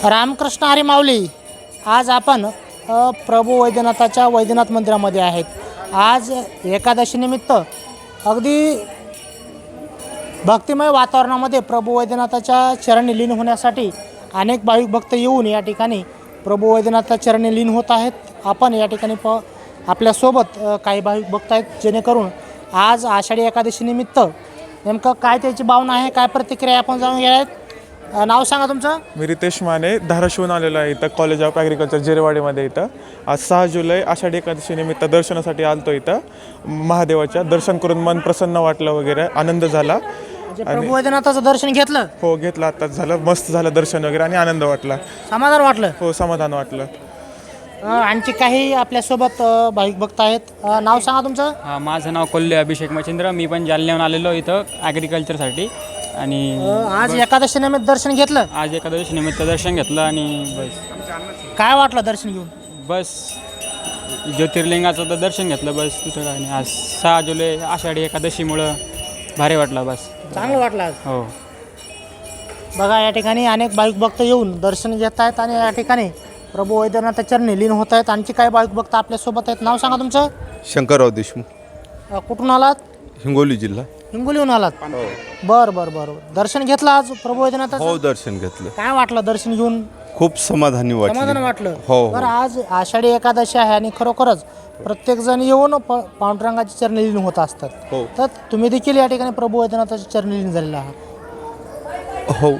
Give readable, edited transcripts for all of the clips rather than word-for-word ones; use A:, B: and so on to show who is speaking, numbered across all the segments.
A: रामकृष्ण हरी माऊली. आज आपण प्रभू वैद्यनाथाच्या वैद्यनाथ मंदिरामध्ये आहेत. आज एकादशीनिमित्त अगदी भक्तिमय वातावरणामध्ये प्रभू वैद्यनाथाच्या चरणी लीन होण्यासाठी अनेक भाविक भक्त येऊन या ठिकाणी प्रभू वैद्यनाथाच्या चरणी लीन होत आहेत. आपण या ठिकाणी आपल्यासोबत काही भाविक भक्त आहेत, जेणेकरून आज आषाढी एकादशीनिमित्त नेमकं काय त्याची भावना आहे, काय प्रतिक्रिया आपण जाणून घ्या आहेत. नाव सांगा तुमचं.
B: मी रितेश माने, धाराशिवून आलेलो आहे इथं कॉलेज ऑफ ॲग्रिकल्चर जेरेवाडीमध्ये. इथं आज 6 जुलै आषाढी एकादशीनिमित्त दर्शनासाठी आलतो. इथं महादेवाच्या दर्शन करून मन प्रसन्न वाटलं वगैरे, आनंद झाला.
A: म्हणजे प्रभू वैद्यनाथाचं दर्शन घेतलं?
B: हो, घेतलं, आत्ताच झालं. मस्त झालं दर्शन वगैरे आणि आनंद वाटला.
A: समाधान वाटलं?
B: हो, समाधान वाटलं.
A: आणखी काही आपल्यासोबत भाविक भक्त आहेत. नाव सांगा तुमचं.
C: माझं नाव कोल्हे अभिषेक मच्छिंद्र. मी पण जालन्याहून आलेलो इथं ॲग्रिकल्चरसाठी. आणि
A: आज एकादशी निमित्त दर्शन घेतलं?
C: आज एकादशी निमित्त दर्शन घेतलं आणि बस.
A: काय वाटलं दर्शन घेऊन?
C: बस ज्योतिर्लिंगाचं तर दर्शन घेतलं, बस दुसरं काय नाही. आज 6 जुलै आषाढी एकादशीमुळं भारी वाटलं, बस
A: चांगलं वाटलं आज.
C: हो.
A: बघा, या ठिकाणी अनेक भाविक भक्त येऊन दर्शन घेत आहेत आणि या ठिकाणी प्रभू वैद्यनाथाच्या चरणी लीन होत आहेत. आणखी काही भाविक भक्त आपल्यासोबत आहेत. नाव सांगा तुमचं.
D: शंकरराव देशमुख,
A: कुठून आलात?
D: हिंगोली जिल्हा.
A: हिंगोलीहून आलात? बरं. दर्शन घेतलं आज प्रभू वैद्यनाथाचं?
D: हो, दर्शन घेतलं.
A: काय वाटलं दर्शन घेऊन?
D: खूप समाधानी
A: समाधान
D: वाटलं.
A: वाटलं.
D: हो.
A: बरं, आज आषाढी एकादशी आहे आणि खरोखरच प्रत्येक जण येऊन पांडुरंगाची चरणी लीन होत असतात.
D: हो.
A: तर तुम्ही देखील या ठिकाणी प्रभू वैद्यनाथाची चरणी लीन झालेला आहात.
D: हो,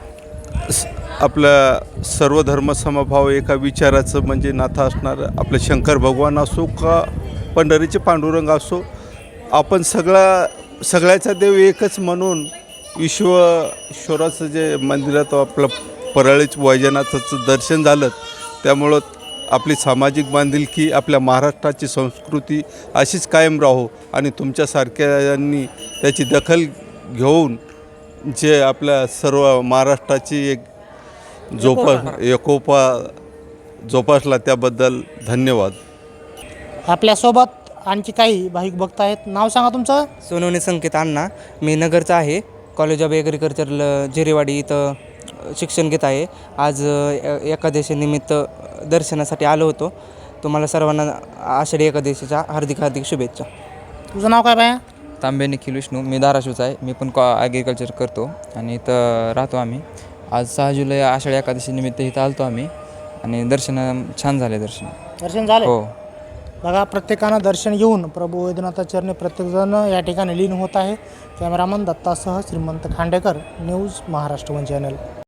D: आपलं सर्व धर्म समभाव एका विचाराचं म्हणजे नातं असणारं आपलं शंकर भगवान असो का पंढरीचे पांडुरंग असो, आपण सगळ्याचा देव एकच म्हणून विश्वेश्वराचं जे मंदिरात आपलं परळीच वैजनाथाचं दर्शन झालं. त्यामुळं आपली सामाजिक बांधिलकी, आपल्या महाराष्ट्राची संस्कृती अशीच कायम राहो आणि तुमच्यासारख्यांनी त्याची दखल घेऊन जे आपल्या सर्व महाराष्ट्राची एक एकोपा जोपासला त्याबद्दल धन्यवाद.
A: आपल्यासोबत आणखी काही भाविक भक्त आहेत. नाव सांगा तुमचं.
E: सोनवणे संकेत अण्णा. मी नगरचा आहे. कॉलेज ऑफ ॲग्रिकल्चर जेरेवाडी इथं शिक्षण घेत आहे. आज एकादशीनिमित्त दर्शनासाठी आलो होतो. तुम्हाला सर्वांना आषाढी एकादशीच्या हार्दिक शुभेच्छा.
A: तुझं नाव काय बाया?
F: तांबे निखिल विष्णू. मी धाराशिवचा आहे. मी पण ॲग्रिकल्चर करतो आणि इथं राहतो आम्ही. आज 6 जुलै आषाढी एकादशीनिमित्त इथं आलतो आम्ही आणि दर्शन छान झाले.
A: दर्शन झालं?
F: हो.
A: बघा, प्रत्येकानं दर्शन घेऊन प्रभू वैद्यनाथाच्या चरणी प्रत्येकजण या ठिकाणी लीन होत आहे. कॅमेरामन दत्तासह Shrimant Khandekar, news Maharashtra one channel.